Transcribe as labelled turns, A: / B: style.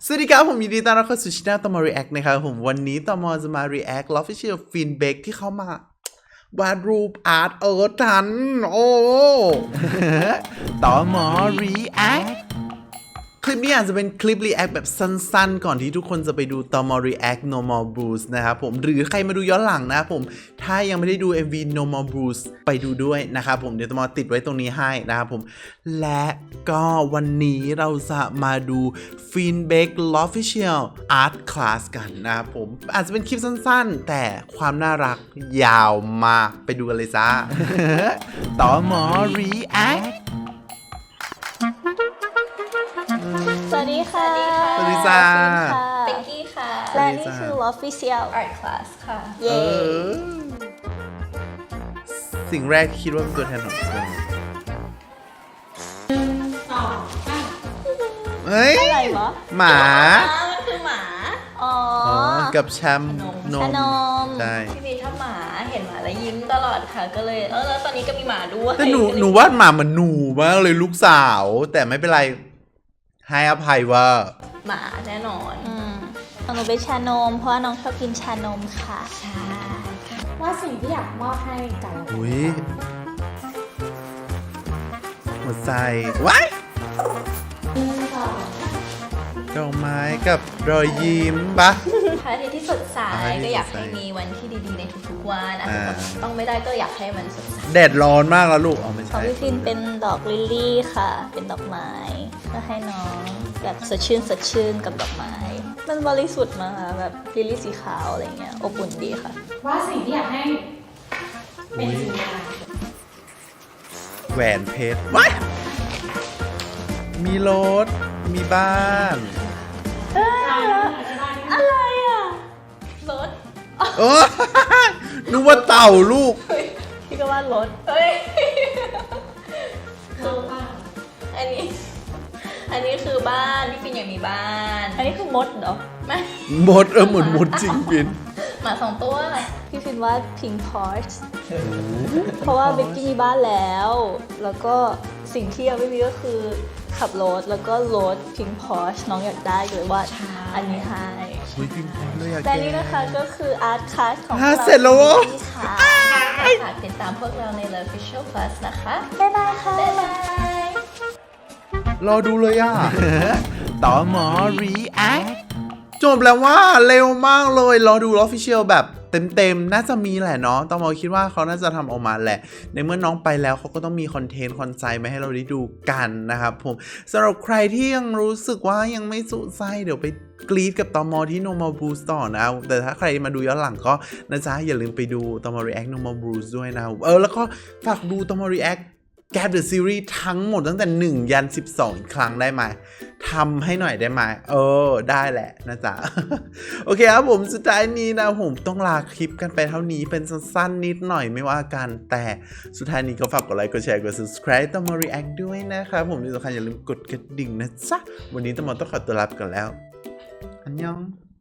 A: สวัสดีครับผมยินดีต้อนรับเข้าสู่ช่องตอมอ React นะครับผมวันนี้ตอมอจะมา React Official Feedback ที่เขามาวาดรูปอาร์ตทันโอ้ ตอมอ React คลิปนี้อาจจะเป็นคลิป React แบบสั้นๆก่อนที่ทุกคนจะไปดูตอมอ React No More Blues นะครับผมหรือใครมาดูย้อนหลังนะครับผมถ้ายังไม่ได้ดู MV No More Blues ไปดูด้วยนะครับผมเดี๋ยวตอมอติดไว้ตรงนี้ให้นะครับผมและก็วันนี้เราจะมาดู Feedback Official Art Class กันนะครับผมอาจจะเป็นคลิปสั้นๆแต่ความน่ารักยาวมากไปดูกันเลยจ้า ตอมอ React
B: สวัสดีค่ะ
A: สวัสดีจ้า
B: เป็กกี้ค่ะ และ นี่คือ Official
C: Art Class ค่ะ
B: เย้
A: สิ่งแรกที่คิดว่าเป็นตัวแทนของคนเฮ้ย
B: อะไรวะ
A: หมา
C: มันคือหมา
B: อ๋อ
A: กับแชมน
B: ชะ
A: ม
B: นม
A: ใช่
C: พี่บีชอบหมาเห็นหมาแล้วยิ้มตลอดค่ะ ก็เลยแล้วตอนนี้ก็มีหมาด้วย
A: แต่หนูวาดหมาเหมือนหนูมากเลยลูกสาว แต่ไม่เป็นไรให้อภัยว่า
C: หมาแน่นอน
B: หนูเป็นชานม เพราะว่าน้องชอบกินชานมค่ะ
D: ว่าสิ่งที่อยากมอบให้กัน
A: อุ้ยหัวใจว้ายดอกไม้กับรอยยิ้มปะ
C: พระอาทิตย์ที่สดใส
A: พระอาทิตย์
C: ก็อยาก
A: สดใส
C: ให้มีวันที่ดีๆในทุกๆวันอาจจะแบบต้องไม่ได้ก็อยากให้มันสดใส
A: แดดร้อนมากแล้วลูกเอาไม่
B: ของ
A: ใช่
B: พี่ฟินเป็นดอกลิลลี่ค่ะ เป็นดอกไม้ก็ให้น้องแบบสดชื่นกับดอกไม้ มันบริสุทธิ์มากค่ะแบบลิลลี่สีขาวอะไรเงี้ย อบอุ่นดีค่ะ
D: ว่าสิ่งที่อยากให้เป็นจริงได้
A: แหวนเพชรว้ายมีรถมีบ้าน
B: อะไรอ่ะ
C: รถ
A: เออ นึกว่าเต่าลูก
B: พี่ก็ว่ารถ
C: เฮ้ย
D: คือว่า
C: อันนี้คือบ้านพี่ฟินอยากมีบ้าน
B: อันนี้คือมดเหรอ
C: ไม่
A: มดเหมือนมดจริงปิน
C: หมา2 ตัว
B: พี่ฟินว่าพิงพอร์ชเพราะว่าเบกกี้มีบ้านแล้ว แล้วก็สิ่งที่ยังไม่มีก็คือขับรถแล้วก็รถพิงพอร์ชน้องอยากได้เลยว่าอันนี้ให้
A: อุ้ยพิมพ์พร้อมเลยอะ
B: และนี่นะคะก็คืออาร์ตคลาสของ
A: เสร็จแล้วเหรอ
B: ค่ะ
C: ฝากติดตามพวกเราใน The Official Class นะคะ
B: บ๊ายบายค่ะ
C: บ๊ายบาย
A: รอดูเลยอ่ะ ต่อหมอ React จบแล้วว่าเร็วมากเลย รอดู Official แบบเต็มๆ น่าจะมีแหละเนาะต้องมอคิดว่าเขาน่าจะทำออกมาแหละ ในเมื่อน้องไปแล้วเขาก็ต้องมีคอนเทนต์คอนไซต์มาให้เราได้ดูกันนะครับผมสำหรับใครที่ยังรู้สึกว่ายังไม่สุดใจเดี๋ยวไปกรี๊ดกับตอมอที่ No More Blues ต่อนะแต่ถ้าใครมาดูย้อนหลังก็นะจ๊ะอย่าลืมไปดูตอมอ React No More Blues ด้วยนะแล้วก็ฝากดูตอมอ React Gap the Series ทั้งหมดตั้งแต่1ยัน12อีกครั้งได้ไหมทำให้หน่อยได้ไหมได้แหละนะจ๊ะ โอเคครับผมสุดท้ายนี้นะผมต้องลาคลิปกันไปเท่านี้เป็นสั้นๆนิดหน่อยไม่ว่ากันแต่สุดท้ายนี้ก็ฝากกดไลค์กดแชร์กด subscribe ต้องมา react ด้วยนะครับผมที่สำคัญอย่าลืมกดกระดิ่งนะจ๊ะวันนี้ต้องขอตัวลาไปก่อนแล้วอันยอง